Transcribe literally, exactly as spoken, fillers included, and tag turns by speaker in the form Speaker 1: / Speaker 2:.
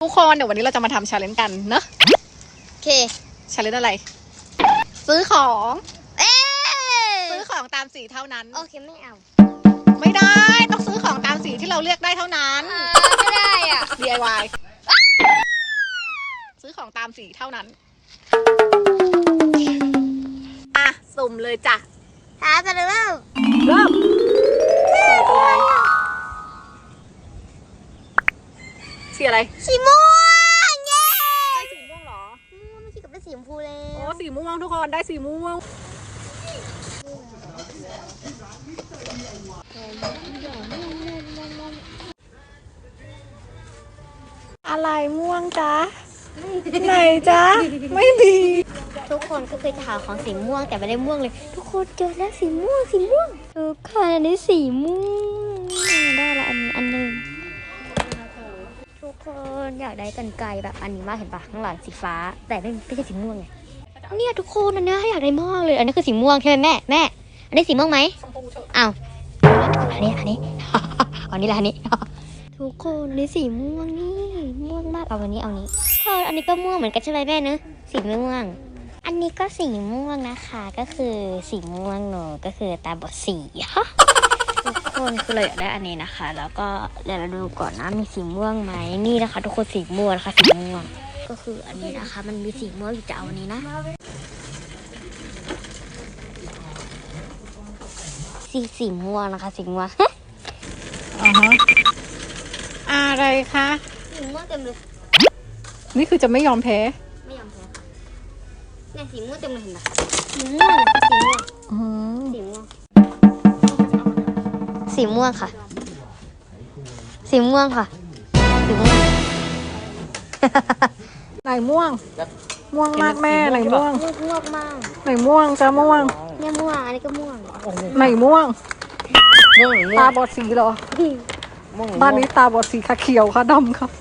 Speaker 1: ทุกคนเดี๋ยววันนี้เราจะมาทำชาเลนจ์กันเนอะ
Speaker 2: โอเค
Speaker 1: ชาเลนจ์อะไรซื้อของ
Speaker 2: เอ๊
Speaker 1: ซื้อของตามสีเท่านั้น
Speaker 2: โอเคไม่เอา
Speaker 1: ไม่ได้ต้องซื้อของตามสีที่เราเลือกได้เท่านั้น
Speaker 2: ไม่ได้อ่ะ
Speaker 1: ดี ไอ วาย ซื้อของตามสีเท่านั้นอ่ะสุ่มเลยจ้ะ
Speaker 2: หาไปเริ่ม
Speaker 1: เริ่มสีอะไร
Speaker 2: สีม่วงเย้
Speaker 1: ได้สีม่วงเหรอ
Speaker 2: ม่วงไม่ใช่กับเป็นสีชมพูเลย
Speaker 1: โอ้สีม่วงทุกคนได้สีม่วงอะไรม่วงจ๊ะไหนจ๊ะไม่มี
Speaker 2: ทุกคนก็เคยจะหาของสีม่วงแต่ไม่ได้ม่วงเลยทุกคนเจอแล้วสีม่วงสีม่วงทุกคนอันนี้สีม่วงได้ละอันนี้อันหนึ่งทุกคนอยากได้กรรไกรแบบอันนี้มากเห็นปะข้างหลังสีฟ้าแต่ไม่ไม่ใช่สีม่วงไงเนี่ยทุกคนอันนี้อยากได้มากเลยอันนี้คือสีม่วงใช่ไหมแม่แม่อันนี้สีม่วงไหมอ้าวอันนี้อันนี้อันนี้แหละอันนี้ทุกคนนี่สีม่วงนี่ม่วงมากเอาอันนี้เอานี้พออันนี้ก็ม่วงเหมือนกันใช่ไหมแม่เนอะสีม่วงอันนี้ก็สีม่วงนะคะก็คือสีม่วงหนูก็คือตาบอดสีทุกคนคือเราอยากได้อันนี้นะคะแล้วก็เดี๋ยวเราดูก่อนนะมีสีม่วงไหมนี่นะคะทุกคนสีม่วงนะคะสีม่วงก็คืออันนี้นะคะมันมีสีม่วงอยู่จะเอาอันนี้นะสีสีม่วงนะคะสีม่วง
Speaker 1: อ่าฮะอะไรคะ
Speaker 2: สีม่วงเต็มเลย
Speaker 1: นี่คือจะไม่ยอมแพ้
Speaker 2: ไม่ยอมแพ้เนี่ยสีม่วงเต็มเลยเห็นไหมสีม่วงสีม่วงสีม่วงสีม่วงค่ะสีม่วงค่ะสีม่วง
Speaker 1: ไหนม่วงม่วงมากแม่ไหนม่วง
Speaker 2: ม่วงมาก
Speaker 1: ไหนม่วงจ้าม่วง
Speaker 2: เนี่ยม่วงอันนี้ก็ม่วง
Speaker 1: ไหนม่วงตาบอดสีเหรอบ้านนี้ตาบอดสีค่ะเขียวค่ะดำค่ะ